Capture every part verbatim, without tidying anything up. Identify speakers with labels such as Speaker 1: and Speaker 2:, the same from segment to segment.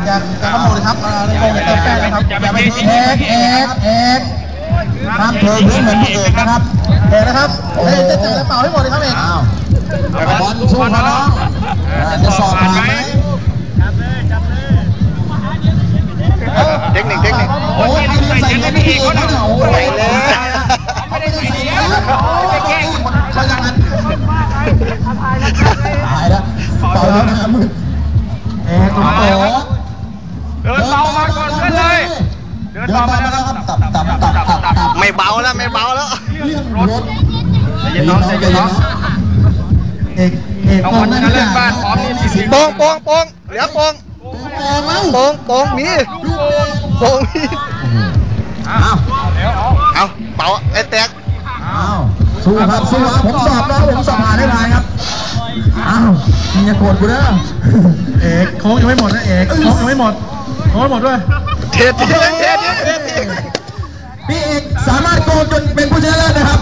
Speaker 1: อย่าอย่าขโมยครับอย่าเติมแป้งนะครับอย่าไปเทเอกเอกเอกห้ามเทพื้นเหมือนพี่เอกนะครับเอกนะครับเฮ้ยจะเจอเป่าให้หมดเลยครับเอกอ้าวบอลสู้มาน้องจะสอบผ่านไหม
Speaker 2: เทคนิคเทคนิค
Speaker 1: โอ้ยใส่ใส่เงินพี่เอกเขาเนี่ยโอ้ยเลยไม่ได้ใส่เงินเขาอย่างนั้นตายแล้วเป่าแล้วนะมึงเอกตุ้มโต
Speaker 3: เดินเบามาก่อนเพื่อนเลยเดินเบามาแล้วครับตับตับตับตับตับ
Speaker 2: ไม่เบาแล้วไม่เบาแล้ว
Speaker 1: รถ
Speaker 3: ใจเย็นน้องใจเย็นน้อง
Speaker 1: เอกเอกโป่งนั่นเล่นบ้านพร้อมนี่
Speaker 2: โป่งโป่งโป่งเหลือโป่งโป่งโป่งมีโป่งมีเอาเอาเป่าไอ้แตก
Speaker 1: อ้าวสู้ครับสู้ครับผมสอบแล้วผมสอบผ่านได้ไรครับอ้าวมึงอย่าโกรธกูนะเอกโค้งยังไม่หมดนะเอกโค้งยังไม่หมดโค้งไม่หมดด้วย
Speaker 2: เทสเทสเทสเทส
Speaker 1: พี่เอกสามารถโกงจนเป็นผู้ชนะเลิศนะครับ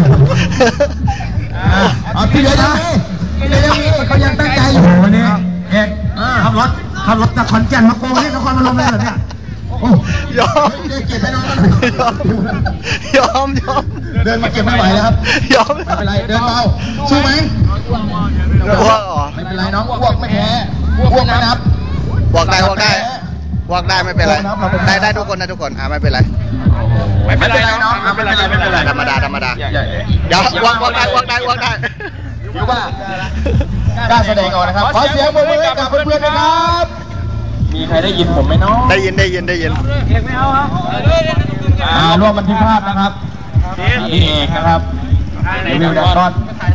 Speaker 1: อ่าพี่เหลือยังมีพี่เหลือยังมีเขายังตั้งใจอยู่วันนี้เอกขับรถขับรถจากขอนแก่นมาโกงที่นครพนมเลยเหรอเนี่ยโอ้
Speaker 2: ยอม
Speaker 1: เก็บให้น้อง
Speaker 2: ยอมยอม
Speaker 1: เดินมาเก็บไม่ไหวแล้วครับ
Speaker 2: ยอม
Speaker 1: ไม่เป็นไรเดินเบาสู้ไหม
Speaker 2: อ้วก
Speaker 1: ไม่เป็นไรน้องอ้วกไม่แพ้อ้วกไม่นับ
Speaker 2: บอกได้บอกได้บอกได้ไม่เป็นไรได้ได้ทุกคนนะทุกคนอ่าไม่เป็นไร
Speaker 3: ไม่เป็นไรน้องไม่เป็นไรไม่เป็นไร
Speaker 2: ธรรมดาธรรมดาเดี๋ยววางวางได้วางได้วางได้
Speaker 1: รู้ว่ากล้าแสดงออกนะครับขอเสียงปรบมือให้กับเพื่อนๆนะครับมีใครได้ยินผมไหมน้อง
Speaker 2: ได้ยินได้ยินได้ยิน
Speaker 3: เอกไม่เอาครับ
Speaker 1: อ่าร่วมบันทึกภาพนะครับนี่เอกนะครับรีวิวดักก้อน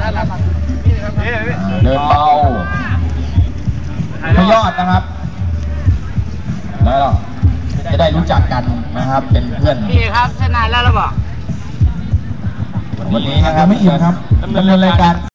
Speaker 1: เดินเบาพยอดนะครับแล้วจะได้รู้จักกันนะครับเป็นเพื่อน
Speaker 3: พี่ครับชนะแล้วหรือเปล่า
Speaker 1: วันนี้นะครับไม่อิ่มครับดำเนินรายการ